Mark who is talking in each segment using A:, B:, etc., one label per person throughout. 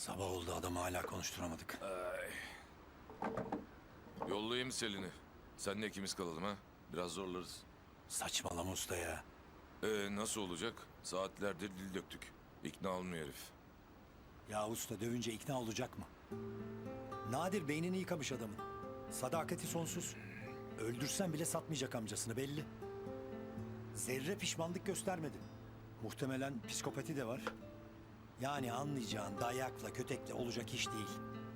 A: Sabah oldu, adamı hala konuşturamadık.
B: Yollayayım Selin'i. Seninle ikimiz kalalım ha. Biraz zorlarız.
A: Saçmalama usta ya.
B: Nasıl olacak? Saatlerdir dil döktük. İkna olmuyor herif.
A: Ya usta, dövünce ikna olacak mı? Nadir beynini yıkamış adamın. Sadakati sonsuz. Öldürsen bile satmayacak amcasını, belli. Zerre pişmanlık göstermedi. Muhtemelen psikopati de var. Yani anlayacağın dayakla kötekle olacak iş değil.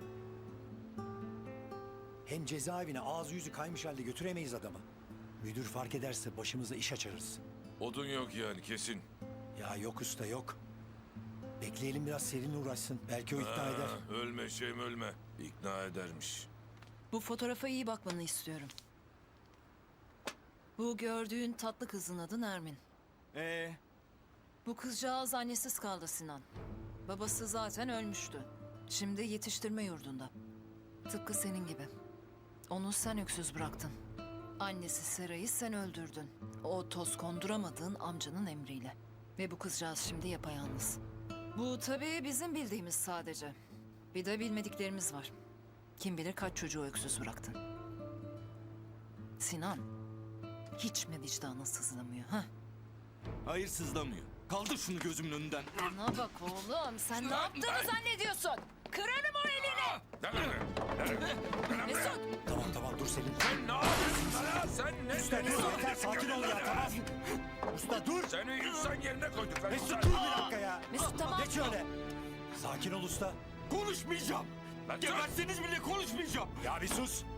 A: Hem cezaevine ağzı yüzü kaymış halde götüremeyiz adamı. Müdür fark ederse başımıza iş açarız.
B: Odun yok yani kesin.
A: Ya yok usta, yok. Bekleyelim biraz, Selin'le uğraşsın. Belki o ikna eder.
B: Ölme şeyim ölme. İkna edermiş.
C: Bu fotoğrafa iyi bakmanı istiyorum. Bu gördüğün tatlı kızın adı Nermin. Bu kızcağız annesiz kaldı Sinan. Babası zaten ölmüştü. Şimdi yetiştirme yurdunda. Tıpkı senin gibi. Onu sen öksüz bıraktın. Annesi Seray'ı sen öldürdün. O toz konduramadığın amcanın emriyle. Ve bu kızcağız şimdi yapayalnız. Bu tabii bizim bildiğimiz sadece. Bir de bilmediklerimiz var. Kim bilir kaç çocuğu öksüz bıraktın. Sinan, hiç mi vicdanın sızlamıyor ha?
D: Hayır, sızlamıyor. Kaldır şunu gözümün önünden.
C: Bana bak oğlum, sen ne yaptığını zannediyorsun? Kırarım o elini! Mesut!
A: Tamam dur Selin.
B: Sen ne yapıyorsun lan? Sen ne
A: Usta dur, yeter, sakin ol ya, tamam. Usta dur.
B: Seni insan yerine koyduk. Ben
A: Mesut dur bir dakika ya.
C: Mesut tamam.
A: Geç öyle. Sakin ol usta.
D: Konuşmayacağım.
B: Lan dur.
D: Geberseniz bile konuşmayacağım.
A: Ya bir sus.